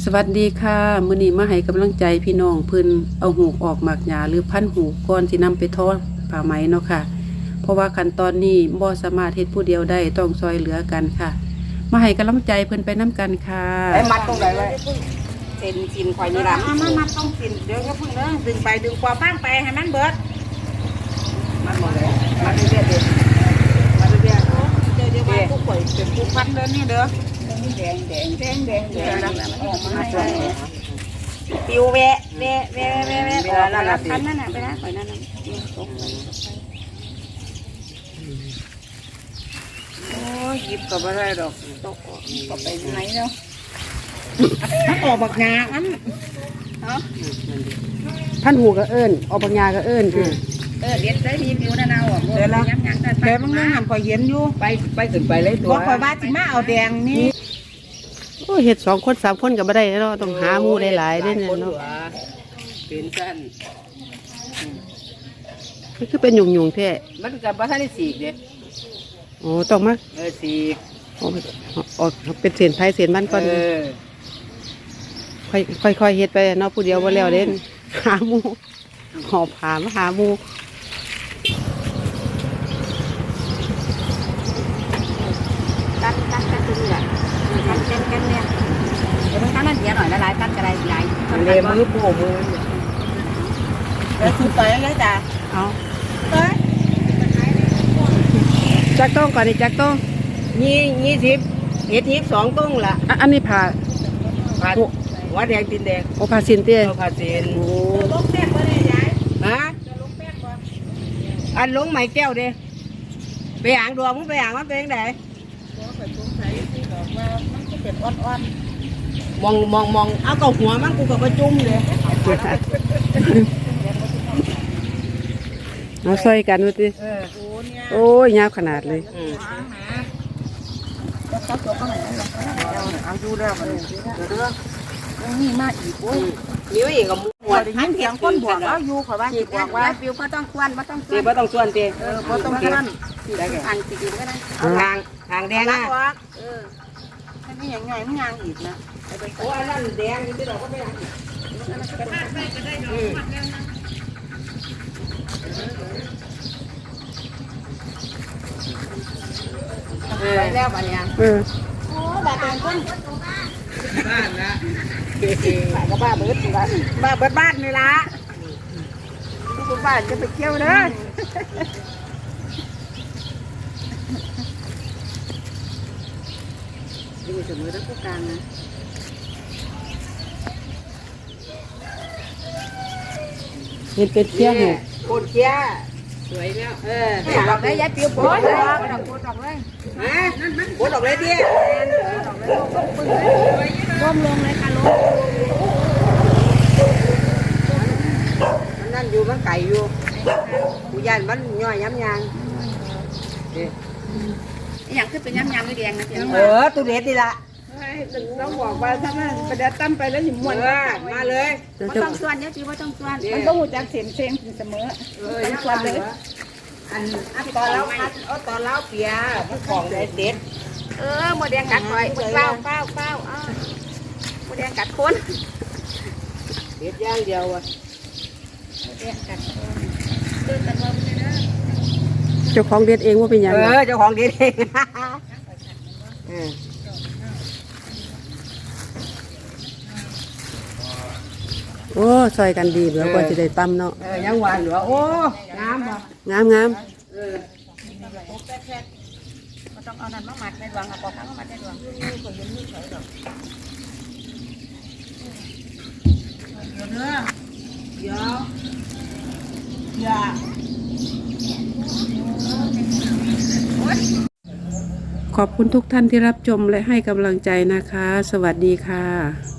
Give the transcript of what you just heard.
สวัสดีค่ะมื้อนี้มาให้กำลังใจพี่น้องเพิ่นเอาหูกออกหมากหญ้าหรือพันหูกก่อนสินำไปทอผ้าไหมเนาะค่ะเพราะว่าขั้นตอนนี้บ่สามารถเฮ็ดผู้เดียวได้ต้องซอยเหลือกันค่ะมาให้กำลังใจเพิ่นไปนํกันค่ะไอ้มัดตรงไหนไว้เส้นกินข่อยนี่ล่ะมัดต้องกินเดี๋ยวก็พึ่งเด้อดึงไปดึงกว่าฟังไปให้มันเบิดมัดหมดเลยมัดเรื่อยๆมัดเรื่อยๆเดี๋ยวมาผู้ป่วยเป็นผู้พันเด้อนี่เด้อแดงปิวแวะแล้วพันนั่นน่ะไปนะข่อยนั่นน่ะโอ้ยหยิบก็บ่ได้ดอกตกก็ไปไหนเนาะมันออกบักงาอันพันหูก็เอิ้นออกหมากหญ้าก็เอิ้นเด็ดได้ดีปิวนั่นเอาอ่ะเดี๋ยวละแต่บางนึงหันข่อยเห็นอยู่ไปขึ้นไปเลยตัวข่อยว่าสิมาเอาแดงนี่โอ้เฮ็ด2คน3คนก็บ่ได้เนาะต้องหาหมู่หลายๆเด้เนาะเป็นซั่นมันคือเป็นหยุ่งๆแท้มันก็บ่ทันได้สีกเด้โอ้ต้องมาสีกออกเป็นเส้นไผเส้นมันก่อนค่อยเฮ็ดไปเนาะผู้เดียวบ่แล้วเด้หาหมู่หอบผ้ามาหาหมู่ตัดตัวนี้แหละกันเนี่ยเดี๋ยวมันตั้งนั่นเดียวหน่อยละลายตัดกระไรใหญ่เลยมือปูมือเดี๋ยวคุณไปเลยจ้ะเอาจักต้องก่อนดิจักต้อง 20เฮ็ด22ต้งละอันนี้ผ่าหัวแดงตีนแดงโอผ่าสินเตี้ยผ่าสินโอ้ลงแป้งบ่ได้ยายฮะลงแป้งบ่อันลงไหมแก้วเด้ไปอ่างดวงมึงไปอ่างมันเป็นจังได๋มองเอากับหัวมันกูกับประจุ่มเลยเอาซอยกันว่าติโอ้ยยาวขนาดเลยเอาดูแล้วมันเด้อนี่มาอีกโอ้ยมีอีกกับหมวดหันเสียงคนบวกเอาอยู่ขอบ้านสิบอกว่าปิวบ่ต้องส่วนบ่ต้องส่วนบ่ต้องส่วนติบ่ต้องส่วนทางสิกินก็ได้ทางแดงอ่ะนี่ยังไงมันยังอีกนะโอ้อันนั้นแดงนี่เราก็ไม่ยังอีกไปแล้วบ้านยังโอ้บ้านเป็นคนบ้านละบ้านก็บ้านเบิดบ้านนี่ละทุกบ้านจะไปเที่ยวเด้อดูเสมอทั้งผู้การนะเห็นเป็นเที่ยงเนี่ยโคตรเที่ยสวยแล้วดอกได้ยัดเปียวโคตรเลยโคตรดอกเลยโคตรดอกเลยที่ร่วมลงเลยค่ะลงมันนั่นอยู่มันไก่อยู่ผู้ยันมันย่อยย้ำยางอย่างขึ้นเป็นย้ำยางด้วยแดงนะเจ้าตัวเด็ดดีละต้องบอกว่าถ้ามันไปเดินตั้มไปแล้วหิมวนมาเลยไม่ต้องส่วนเดี๋ยวจีว่าต้องส่วนมันต้องหูจักเสียงเสมอต้องส่วนเลยอันตอนเล้าเปียมันของเด็ดโมแดงกัดคอยเป้าโมแดงกัดคนเด็ดย่างเดียวอ่ะโมแดงกัดคนเดินกันมาเลยนะเจ้าของเด็ดเองว่าเป็นยังไงเจ้าของเด็ดเองโอ้ซอยกันดีเหลือกว่าจะได้ตั้มเนาะยังหวานเหลือโอ้งามบ่งามมันต้องเอานั่นมาหมัดในดวงเอาปอกข้างมาหมัดในดวงคนยืนนี่เฉยดอกเดี๋ยวอย่าขอบคุณทุกท่านที่รับชมและให้กำลังใจนะคะสวัสดีค่ะ